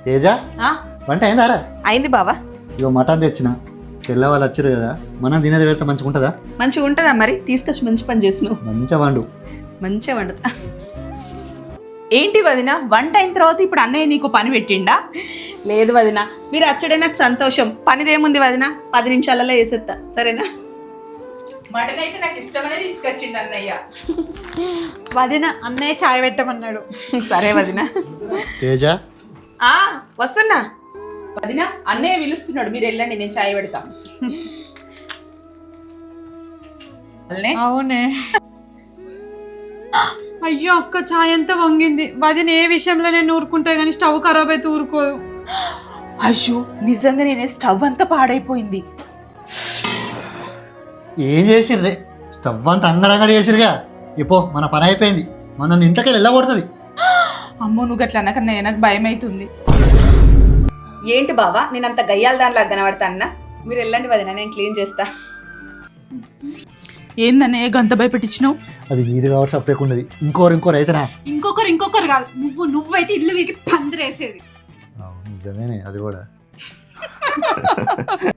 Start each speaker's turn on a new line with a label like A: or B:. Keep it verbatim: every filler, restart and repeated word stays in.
A: తేజ వంట అయిందారా?
B: అయింది బావా.
A: ఇగో మటన్ తెచ్చిన, తెల్ల వాళ్ళు వచ్చారు కదా, మనం తినేది పెడితే మంచిగా ఉంటుందా?
B: మంచిగా ఉంటుందా? మరి తీసుకొచ్చి మంచి పని చేసినావు.
A: మంచిగా వండు.
B: మంచిగా వండుతా. ఏంటి వదిన, వంట అయిన తర్వాత ఇప్పుడు అన్నయ్య నీకు పని పెట్టిండా? లేదు వదిన, మీరు అచ్చడే నాకు సంతోషం. పనిదేముంది వదిన, పది నిమిషాలలో వేసేస్తా, సరేనా? మటన్ అయితే నాకు ఇష్టమనే తీసుకొచ్చిండు అన్నయ్య.
C: వదిన అన్నయ్య చాయ్ పెట్టమన్నాడు.
B: సరే వదిన.
A: తేజ
B: ఆ వస్తున్నా వదిన, అన్నయ్య పిలుస్తున్నాడు, మీరు వెళ్ళండి, నేను చాయ్ పెడతా.
C: అవునే. అయ్యో అక్క, చాయ్ అంతా వంగింది. వదిన ఏ విషయంలో నేను ఊరుకుంటా కానీ స్టవ్ ఖరాబ్ అయితే ఊరుకోదు.
B: అయ్యో నిజంగా నేనే, స్టవ్ అంతా పాడైపోయింది.
A: ఏం చేసిర్రే? స్టవ్ అంతా అంగడంగడి చేసిరుగా. ఇపో మన పని అయిపోయింది, మన ఇంట్లోకి వెళ్ళకూడుతుంది.
B: అమ్మో నువ్వు గట్ల అన్నకన్నా నాకు భయం అవుతుంది. ఏంటి బావా, నేను అంత గయ్యాల దానిలాగా కనబడతా అన్న? మీరు వెళ్ళండి వదిన, నేను క్లీన్ చేస్తా. ఏందన్నయ్య గంత భయపెట్టించినావు?
A: అది మీది కాబట్టి సపరేట్ ఉన్నది. ఇంకోరు ఇంకోరు అయితేనా?
C: ఇంకొకరు ఇంకొకరు కాదు, నువ్వు నువ్వైతే ఇల్లు వీకి పందిరేసేది.
A: నిజమేనే అది కూడా.